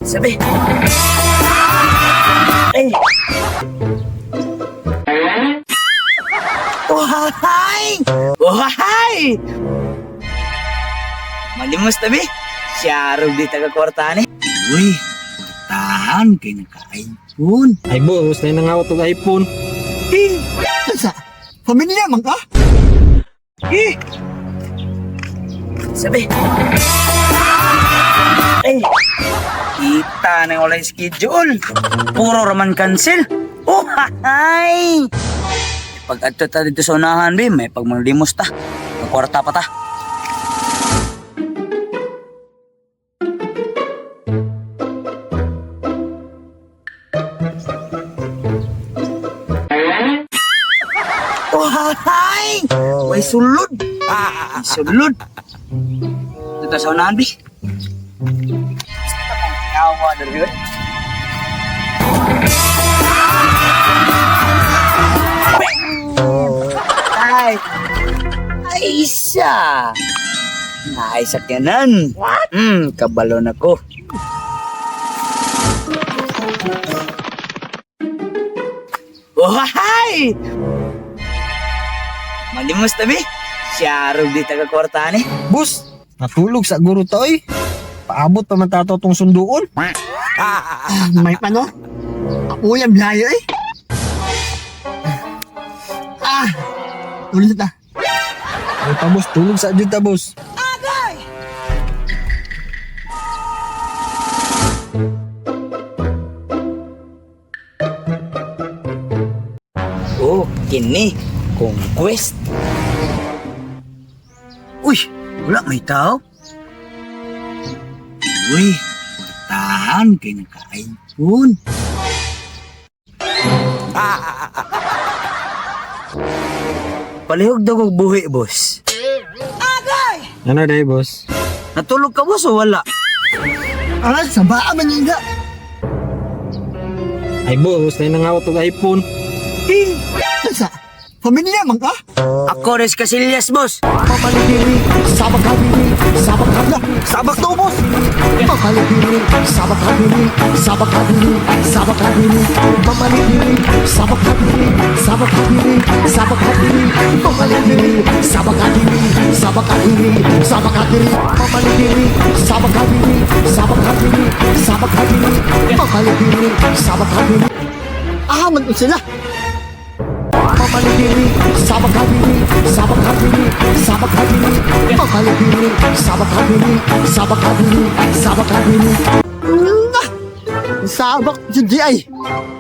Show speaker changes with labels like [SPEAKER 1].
[SPEAKER 1] Sabi. Eh. Wahay! Wahay! Malimos tabi. Siyarog di taga-kwartani. Uy, tahan kay naka-iPhone.
[SPEAKER 2] Ay boss, na nangawat og iPhone.
[SPEAKER 1] Eh, sa pamilya man ka? Eh. Sabi. Eh. Kita na yung online schedule. Puro raman cancel. Oh, hay! Pag adto ta dito sa unahan, be, may pagmalimos ta. Magkwarta pa ta. Oh, hay! May sulod. May sulod. Dito sa unahan, be. Kawa dari yun. Ay! Ay, isa! Naisakyanan. What? Kabalon ako. Oh, hi! Malimos tabi. Siyarog di taga-kwartani.
[SPEAKER 2] Boss, natulog sa guro to eh. Paabot pa man tato tong sunduon.
[SPEAKER 1] May pano? Ako yung blayo eh. Ulit na.
[SPEAKER 2] Ay pa boss, tulog sa juta boss.
[SPEAKER 1] Oh, kini. Conquest. Uy, wala may tao. Uy, tahan kay naka-iPhone. Palihog daw kong buhi, boss.
[SPEAKER 2] Ano day boss?
[SPEAKER 1] Natulog ka, boss, o wala? Sa baa man yun nga.
[SPEAKER 2] Ay boss, na nangawat og iPhone.
[SPEAKER 1] Eh, sa pamilya man ka? Ako res Casillas, boss.
[SPEAKER 3] Pamalipiri, sabak habili, sabak habla, sabak to boss. Pamalipiri, sabak habili, sabak habili, sabak habili. Pamalipiri, sabak habili, sabak habili, sabak habili. Pamalipiri, sabak habili, sabak habili, sabak habili. Pamalipiri, sabak habili, sabak habili, sabak habili. Pamalipiri, sabak habili.
[SPEAKER 1] Man ko sila.
[SPEAKER 3] Pamalipiri, sabak habili, sabak habili, sabak habili. Pamalipiri, sabak habili, sabak habili, sabak habili.
[SPEAKER 1] Sabak, jadi ay.